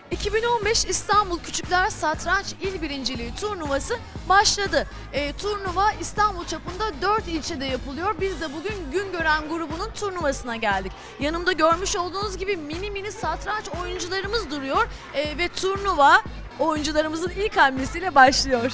2015 İstanbul Küçükler Satranç İl Birinciliği turnuvası başladı. Turnuva İstanbul çapında 4 ilçede yapılıyor. Biz de bugün Güngören grubunun turnuvasına geldik. Yanımda görmüş olduğunuz gibi mini satranç oyuncularımız duruyor. Ve turnuva oyuncularımızın ilk hamlesiyle başlıyor.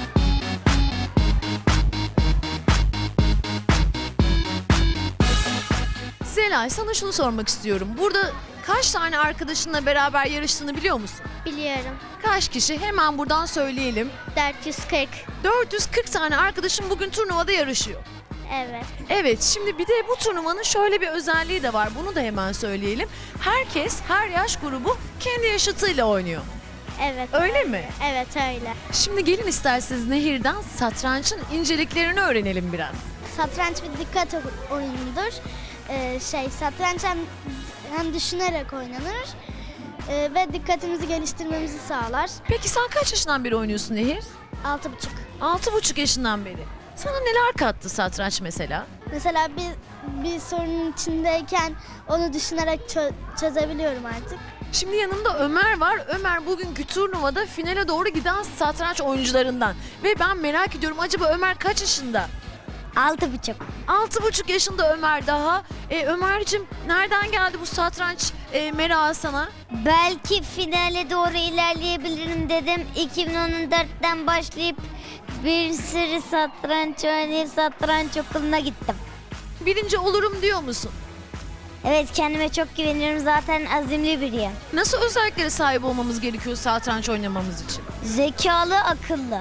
Zelay, sana şunu sormak istiyorum. Burada kaç tane arkadaşınla beraber yarıştığını biliyor musun? Biliyorum. Kaç kişi? Hemen buradan söyleyelim. 440. 440 tane arkadaşım bugün turnuvada yarışıyor. Evet. Evet, şimdi bir de bu turnuvanın şöyle bir özelliği de var. Bunu da hemen söyleyelim. Herkes, her yaş grubu kendi yaşıtıyla oynuyor. Evet. Öyle mi? Evet öyle. Şimdi gelin isterseniz Nehir'den satrançın inceliklerini öğrenelim biraz. Satranç bir dikkat oyunudur. Satranç hem düşünerek oynanır ve dikkatimizi geliştirmemizi sağlar. Peki sen kaç yaşından beri oynuyorsun Nehir? 6,5. 6,5 yaşından beri. Sana neler kattı satranç mesela? Mesela bir sorunun içindeyken onu düşünerek çözebiliyorum artık. Şimdi yanımda Ömer var. Ömer bugünkü turnuvada finale doğru giden satranç oyuncularından. Ve ben merak ediyorum, acaba Ömer kaç yaşında? 6,5. 6,5 yaşında Ömer daha. Ömerciğim, nereden geldi bu satranç merakı sana? Belki finale doğru ilerleyebilirim dedim. 2014'ten başlayıp bir sürü satranç oynayıp satranç okuluna gittim. Birinci olurum diyor musun? Evet, kendime çok güveniyorum, zaten azimli biriyim. Nasıl özelliklere sahip olmamız gerekiyor satranç oynamamız için? Zekalı, akıllı.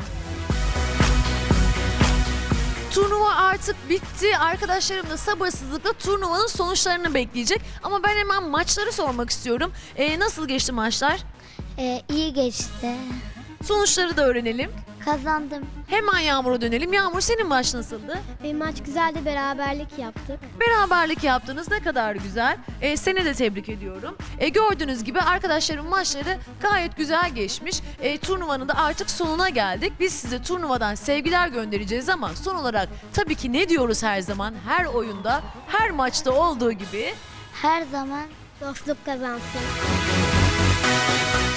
Turnuva artık bitti. Arkadaşlarım da sabırsızlıkla turnuvanın sonuçlarını bekleyecek. Ama ben hemen maçları sormak istiyorum. Nasıl geçti maçlar? İyi geçti. Sonuçları da öğrenelim. Kazandım. Hemen Yağmur'a dönelim. Yağmur, senin maç nasıldı? Benim maç güzeldi, beraberlik yaptık. Beraberlik yaptınız, ne kadar güzel. Seni de tebrik ediyorum. Gördüğünüz gibi arkadaşlarım maçları gayet güzel geçmiş. Turnuvanın da artık sonuna geldik. Biz size turnuvadan sevgiler göndereceğiz ama son olarak tabii ki ne diyoruz her zaman? Her oyunda, her maçta olduğu gibi Her zaman Dostluk kazansın.